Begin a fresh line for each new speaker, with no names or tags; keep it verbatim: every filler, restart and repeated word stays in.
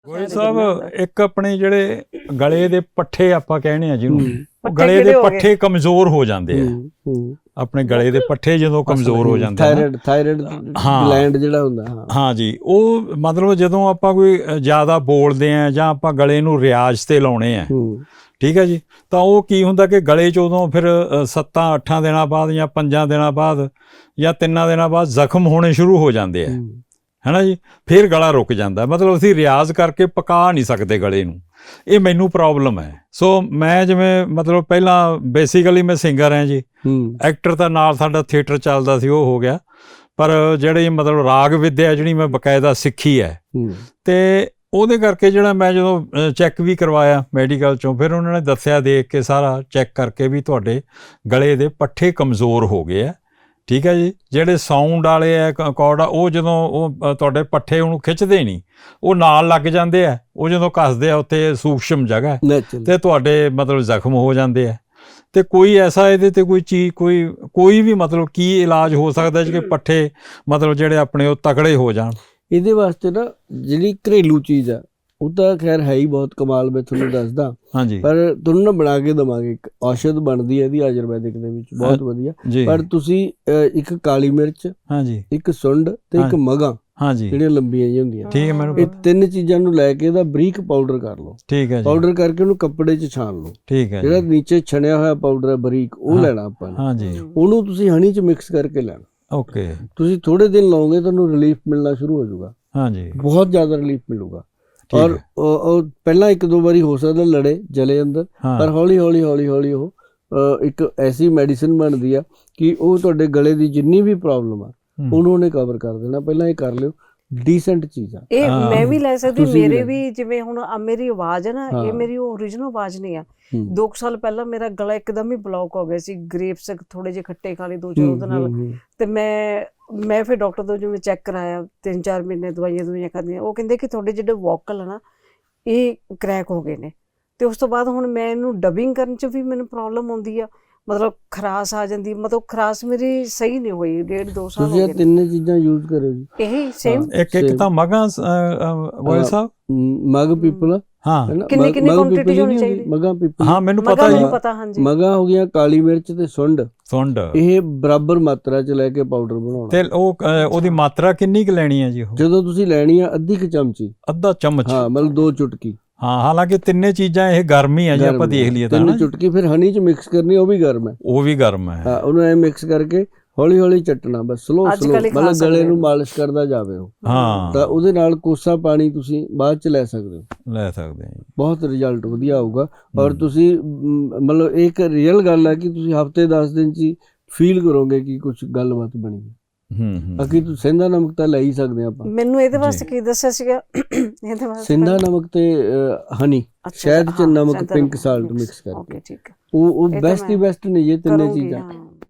ਗੋਇਲ ਸਾਹਿਬ ਇੱਕ ਆਪਣੇ ਜਿਹੜੇ ਗਲੇ ਦੇ ਪੱਠੇ ਆਪਾਂ ਕਹਿੰਦੇ ਆ ਜਿਹਨੂੰ ਉਹ
ਪੱਠੇ
ਗਲੇ ਦੇ
ਕਿਹੜੇ ਹੋ
ਪੱਠੇ ਕਮਜ਼ੋਰ ਹੋ ਜਾਂਦੇ ਆ।
ਹੂੰ
ਆਪਣੇ ਗਲੇ ਦੇ ਪੱਠੇ ਜਦੋਂ ਕਮਜ਼ੋਰ ਹੋ ਜਾਂਦੇ ਆ ਨਾ,
ਥਾਇਰਾਇਡ ਥਾਇਰਾਇਡ
ਹਾਂ।
ਗਲੈਂਡ ਜਿਹੜਾ ਹੁੰਦਾ ਹਾਂ
ਹਾਂ ਜੀ, ਉਹ ਮਤਲਬ ਜਦੋਂ ਆਪਾਂ ਕੋਈ ਜ਼ਿਆਦਾ ਬੋਲਦੇ ਆ ਜਾਂ ਆਪਾਂ ਗਲੇ ਨੂੰ ਰਿਆਜ਼ ਤੇ ਲਾਉਣੇ ਆ,
ਹੂੰ
ਠੀਕ ਹੈ ਜੀ, ਤਾਂ ਉਹ ਕੀ ਹੁੰਦਾ ਕਿ ਗਲੇ 'ਚ ਉਦੋਂ ਫਿਰ ਅ, ਸੱਤਾਂ ਅੱਠਾਂ ਦਿਨਾਂ ਬਾਅਦ ਜਾਂ ਪੰਜਾਂ ਦਿਨਾਂ ਬਾਅਦ ਜਾਂ ਤਿੰਨਾਂ ਦਿਨਾਂ ਬਾਅਦ ਜ਼ਖਮ ਹੋਣੇ ਸ਼ੁਰੂ ਹੋ ਜਾਂਦੇ ਆ, ਹੈ ਨਾ ਜੀ। ਫਿਰ ਗਲਾ ਰੁਕ ਜਾਂਦਾ, ਮਤਲਬ ਅਸੀਂ ਰਿਆਜ਼ ਕਰਕੇ ਪਕਾ ਨਹੀਂ ਸਕਦੇ ਗਲੇ ਨੂੰ। ਇਹ ਮੈਨੂੰ ਪ੍ਰੋਬਲਮ ਹੈ। ਸੋ ਮੈਂ ਜਿਵੇਂ ਮਤਲਬ ਪਹਿਲਾਂ ਬੇਸਿਕਲੀ ਮੈਂ ਸਿੰਗਰ ਹਾਂ ਜੀ,
ਹੂੰ
ਐਕਟਰ ਤਾਂ ਨਾਲ ਸਾਡਾ ਥੀਏਟਰ ਚੱਲਦਾ ਸੀ, ਉਹ ਹੋ ਗਿਆ। ਪਰ ਜਿਹੜੀ ਮਤਲਬ ਰਾਗ ਵਿੱਦਿਆ ਜਿਹੜੀ ਮੈਂ ਬਕਾਇਦਾ ਸਿੱਖੀ ਹੈ,
ਹੂੰ
ਤੇ ਉਹਦੇ ਕਰਕੇ ਜਿਹੜਾ ਮੈਂ ਜਦੋਂ ਚੈੱਕ ਵੀ ਕਰਵਾਇਆ ਮੈਡੀਕਲ ਚੋਂ, ਫਿਰ ਉਹਨਾਂ ਨੇ ਦੱਸਿਆ ਦੇਖ ਕੇ ਸਾਰਾ ਚੈੱਕ ਕਰਕੇ ਵੀ ਤੁਹਾਡੇ ਗਲੇ ਦੇ ਪੱਠੇ ਕਮਜ਼ੋਰ ਹੋ ਗਏ ਆ, ਠੀਕ ਹੈ ਜੀ। ਜਿਹੜੇ ਸਾਊਂਡ ਵਾਲੇ ਆ ਅਕੋਰਡ ਆ, ਉਹ ਜਦੋਂ ਉਹ ਤੁਹਾਡੇ ਪੱਠੇ ਉਹਨੂੰ ਖਿੱਚਦੇ ਨਹੀਂ, ਉਹ ਨਾਲ ਲੱਗ ਜਾਂਦੇ ਆ, ਉਹ ਜਦੋਂ ਕੱਸਦੇ ਆ ਉੱਥੇ ਸੂਖਸ਼ਮ ਜਗ੍ਹਾ
ਨੈਚੁਰਲ
ਤੇ ਤੁਹਾਡੇ ਮਤਲਬ ਜ਼ਖਮ ਹੋ ਜਾਂਦੇ ਆ। ਤੇ ਕੋਈ ਐਸਾ ਇਹਦੇ ਤੇ ਕੋਈ ਚੀਜ਼ ਕੋਈ ਕੋਈ ਵੀ ਮਤਲਬ ਕੀ ਇਲਾਜ ਹੋ ਸਕਦਾ ਜੀ ਕਿ ਪੱਠੇ ਮਤਲਬ ਜਿਹੜੇ ਆਪਣੇ ਉਹ ਤਕੜੇ ਹੋ ਜਾਣ?
ਇਹਦੇ ਵਾਸਤੇ ਨਾ ਜਿਹੜੀ ਘਰੇਲੂ ਚੀਜ਼ ਆ ਉਹ ਤਾਂ ਖੈਰ ਹੈ ਹੀ ਬਹੁਤ ਕਮਾਲ, ਮੈਂ ਤੁਹਾਨੂੰ ਦੱਸਦਾ।
ਹਾਂਜੀ
ਪਰ ਤੁਹਾਨੂੰ ਨਾ ਬਣਾ ਕੇ ਦਵਾਂਗੇ, ਇੱਕ ਔਸ਼ਧ ਬਣਦੀ ਹੈ ਇਹਦੀ ਆਯੁਰਵੈਦਿਕ ਦੇ ਵਿੱਚ, ਬਹੁਤ ਵਧੀਆ।
ਜੀ,
ਪਰ ਤੁਸੀਂ ਅ, ਇੱਕ ਕਾਲੀ ਮਿਰਚ,
ਹਾਂਜੀ
ਇੱਕ ਸੁੰਡ ਤੇ ਇੱਕ ਮਗਾਂ
ਹਾਂਜੀ,
ਜਿਹੜੀਆਂ ਲੰਬੀਆਂ ਜਿਹੀਆਂ ਹੁੰਦੀਆਂ,
ਠੀਕ ਹੈ, ਮੈਨੂੰ
ਇਹ
ਪਤਾ।
ਤਿੰਨ ਚੀਜ਼ਾਂ ਨੂੰ ਲੈ ਕੇ ਇਹਦਾ ਬਰੀਕ ਪਾਊਡਰ ਕਰ ਲਓ।
ਠੀਕ ਹੈ ਜੀ,
ਪਾਊਡਰ ਕਰਕੇ ਉਹਨੂੰ ਕੱਪੜੇ 'ਚ ਛਾਣ ਲਓ।
ਠੀਕ ਹੈ
ਜਿਹੜਾ
ਜੀ,
ਨੀਚੇ ਛਣਿਆ ਹੋਇਆ ਪਾਊਡਰ ਹੈ ਬਰੀਕ, ਉਹ
ਹਾਂ।
ਲੈਣਾ ਆਪਾਂ ਨੇ।
ਹਾਂਜੀ,
ਉਹਨੂੰ ਤੁਸੀਂ ਹਨੀ 'ਚ ਮਿਕਸ ਕਰਕੇ ਲੈਣਾ।
ਓਕੇ,
ਤੁਸੀਂ ਥੋੜੇ ਦਿਨ ਲਾਓਗੇ ਤੁਹਾਨੂੰ ਰਿਲੀਫ ਮਿਲਣਾ ਸ਼ੁਰੂ ਹੋ ਜਾਊਗਾ,
ਹਾਂਜੀ,
ਬਹੁਤ ਜ਼ਿਆਦਾ ਰਿਲੀਫ ਮਿਲੂਗਾ।
ਠੀਕ
ਔਰ
ਹੈ,
ਉਹ ਉਹ ਪਹਿਲਾਂ ਇੱਕ ਦੋ ਵਾਰੀ ਹੋ ਸਕਦਾ ਲੜੇ ਜਲੇ ਅੰਦਰ,
ਹਾਂ,
ਪਰ ਹੌਲੀ ਹੌਲੀ ਹੌਲੀ ਹੌਲੀ ਉਹ ਅ, ਇੱਕ ਐਸੀ ਮੈਡੀਸਿਨ ਬਣਦੀ ਆ ਕਿ ਉਹ ਤੁਹਾਡੇ ਗਲੇ ਦੀ ਜਿੰਨੀ ਵੀ ਪ੍ਰੋਬਲਮ ਆ
ਹੂੰ,
ਉਹਨੂੰ ਉਹਨੇ ਕਵਰ ਕਰ ਦੇਣਾ। ਪਹਿਲਾਂ ਇਹ ਕਰ ਲਿਓ, ਡੀਸੈਂਟ ਚੀਜ਼ ਆ।
ਇਹ
ਹਾਂ।
ਮੈਂ ਵੀ ਲੈ ਸਕਦੀ,
ਤੁਸੀਂ ਵੀ
ਮੇਰੇ
ਲੈ
ਵੀ ਜਿਵੇਂ ਹੁਣ ਆ ਮੇਰੀ ਆਵਾਜ਼ ਹੈ ਨਾ, ਇਹ
ਹਾਂ।
ਮੇਰੀ ਓਰੀਜਨਲ ਆਵਾਜ਼ ਨਹੀਂ ਆ।
ਹੂੰ।
ਦੋ ਕੁ ਸਾਲ ਪਹਿਲਾਂ ਮੇਰਾ ਗਲਾ ਇੱਕਦਮ ਹੀ ਬਲੌਕ ਹੋ ਗਿਆ ਸੀ, ਗ੍ਰੇਪਸ ਥੋੜੇ ਜਿਹੇ ਖੱਟੇ ਖਾ ਲਏ ਦੋ ਚਾਰ
ਹੂੰ,
ਉਹਦੇ ਨਾਲ,
ਹੂੰ, ਹੂੰ।
ਤੇ ਮੈਂ ਮੈਂ ਫਿਰ ਡਾਕਟਰ ਤੋਂ ਜਿਵੇਂ ਚੈੱਕ ਕਰਾਇਆ, ਤਿੰਨ ਚਾਰ ਮਹੀਨੇ ਦਵਾਈਆਂ ਦਵਾਈਆਂ ਖਾਧੀਆਂ, ਉਹ ਕਹਿੰਦੇ ਕਿ ਤੁਹਾਡੇ ਜਿਹੜੇ ਵੋਕਲ ਆ ਨਾ ਇਹ ਕ੍ਰੈਕ ਹੋ ਗਏ ਨੇ। ਤੇ ਉਸ ਤੋਂ ਬਾਅਦ ਹੁਣ ਮੈਂ ਇਹਨੂੰ ਡਬਿੰਗ ਕਰਨ 'ਚ ਵੀ ਮੈਨੂੰ ਪ੍ਰੋਬਲਮ ਆਉਂਦੀ ਆ, ਮਤਲਬ ਖਰਾਸ ਆ ਜਾਂਦੀ, ਮਤਲਬ ਖਰਾਸ ਮੇਰੀ ਸਹੀ ਨਹੀਂ ਹੋਈ, ਡੇਢ ਦੋ ਸਾਲ
ਤੁਸੀਂ
ਹੋ
ਇਹ
ਗਏ ਨੇ।
ਤਿੰਨੇ ਚੀਜ਼ਾਂ ਯੂਜ਼ ਕਰੋ ਜੀ।
ਇਹੀ ਸੇਮ
ਇੱਕ ਇੱਕ
same।
ਤਾਂ ਮਗਾਂ ਗੋਇਲ ਸਾਹਿਬ,
ਮ, ਮਗ ਪੀਪਲ
ਹਾਂ
ਹੈ ਨਾ,
ਕਿੰਨੀ-
ਮਗ-
ਕਿੰਨੀ
ਮਗ
quantity
ਪੀਪਲ
ਹੋਣੀ
ਨਹੀਂ ਹੁੰਦੀ,
ਚਾਹੀਦੀ?
ਮਗਾਂ ਪੀਪਲ।
ਹਾਂ ਮੈਨੂੰ
ਮਗਾ
ਪਤਾ ਜੀ,
ਮੈਨੂੰ ਪਤਾ, ਹਾਂਜੀ।
ਮਗਾਂ ਹੋ ਗਈਆਂ ਕਾਲੀ ਮਿਰਚ ਤੇ ਸੁੰਡ,
ਸੁੰਡ,
ਇਹ ਬਰਾਬਰ ਮਾਤਰਾ 'ਚ ਲੈ ਕੇ ਪਾਊਡਰ ਬਣਾਉਣਾ।
ਤੇ ਉਹ ਅ, ਉਹਦੀ ਮਾਤਰਾ ਕਿੰਨੀ ਕੁ ਲੈਣੀ ਹੈ ਜੀ? ਉਹ
ਜਦੋਂ ਤੁਸੀਂ ਲੈਣੀ ਆ ਅੱਧੀ ਕੁ ਚਮਚੀ,
ਅੱਧਾ ਚਮਚ,
ਹਾਂ ਮਤਲਬ ਦੋ ਚੁਟਕੀ।
ਹਾਂ, ਹਾਲਾਂਕਿ ਤਿੰਨੇ ਚੀਜ਼ਾਂ ਇਹ ਗਰਮ ਹੀ ਆ ਜੀ, ਆਪਾਂ
ਗਰਮ
ਦੇਖ ਲਈਏ ਤਾਂ
ਤਿੰਨ
ਨਾ,
ਚੁਟਕੀ ਫਿਰ ਹਨੀ 'ਚ ਮਿਕਸ ਕਰਨੀ, ਉਹ ਵੀ ਗਰਮ ਹੈ।
ਉਹ ਵੀ ਗਰਮ ਹੈ।
ਹਾਂ, ਉਹਨੂੰ ਐ ਮਿਕਸ ਕਰਕੇ ਹੌਲੀ ਹੌਲੀ ਚੱਟਣਾ, ਬਸ ਸਲੋ
ਅੱਜ
ਸਲੋ,
ਕੱਲ੍ਹ ਹੀ ਖਾ
ਮਤਲਬ ਗਲੇ
ਸਕਦੇ
ਨੂੰ
ਹੋ।
ਮਾਲਿਸ਼ ਕਰਦਾ ਜਾਵੇ ਉਹ।
ਹਾਂ,
ਤਾਂ ਉਹਦੇ ਨਾਲ ਕੋਸਾ ਪਾਣੀ ਤੁਸੀਂ ਬਾਅਦ 'ਚ ਲੈ ਸਕਦੇ ਹੋ,
ਲੈ ਸਕਦੇ ਹਾਂ ਜੀ।
ਬਹੁਤ ਰਿਜ਼ਲਟ ਵਧੀਆ ਆਊਗਾ। ਔਰ ਤੁਸੀਂ ਮ, ਮਤਲਬ ਇਹ ਇੱਕ ਰੀਅਲ ਗੱਲ ਹੈ ਕਿ ਤੁਸੀਂ ਹਫਤੇ ਦਸ ਦਿਨ 'ਚ ਹੀ ਫੀਲ ਕਰੋਗੇ ਕਿ ਕੁਝ ਗੱਲਬਾਤ ਬਣੀ ਹੈ।
ਹੂੰ ਹੂੰ,
ਬਾਕੀ ਤੁਸੀਂ ਸਿੰਧਾ ਨਮਕ ਤਾਂ ਲੈ ਹੀ ਸਕਦੇ ਆਪਾਂ।
ਮੈਨੂੰ ਇਹਦੇ
ਜੀ।
ਵਾਸਤੇ ਕੀ ਦੱਸਿਆ ਸੀਗਾ? ਇਹਦੇ ਵਾਸਤੇ
ਸਿੰਧਾ ਨਮਕ ਤੇ ਹਨੀ,
ਅੱਛਾ,
ਸ਼ਹਿਦ 'ਚ
ਹਾਂ,
ਨਮਕ
ਸ਼ਹਿਦ
ਪਿੰਕ
ਨਮਕ
ਸਾਲਟ
mix,
ਮਿਕਸ ਕਰਕੇ,
ਓਕੇ ਠੀਕ ਹੈ,
ਉਹ ਉਹ
ਇਹ ਤਾਂ
ਬੈਸਟ ਹੀ
ਮੈਂ
ਬੈਸਟ ਨੇ ਇਹ ਤਿੰਨੇ
ਕਰੂੰਗੀ,
ਚੀਜ਼ਾਂ।
ਹਾਂ।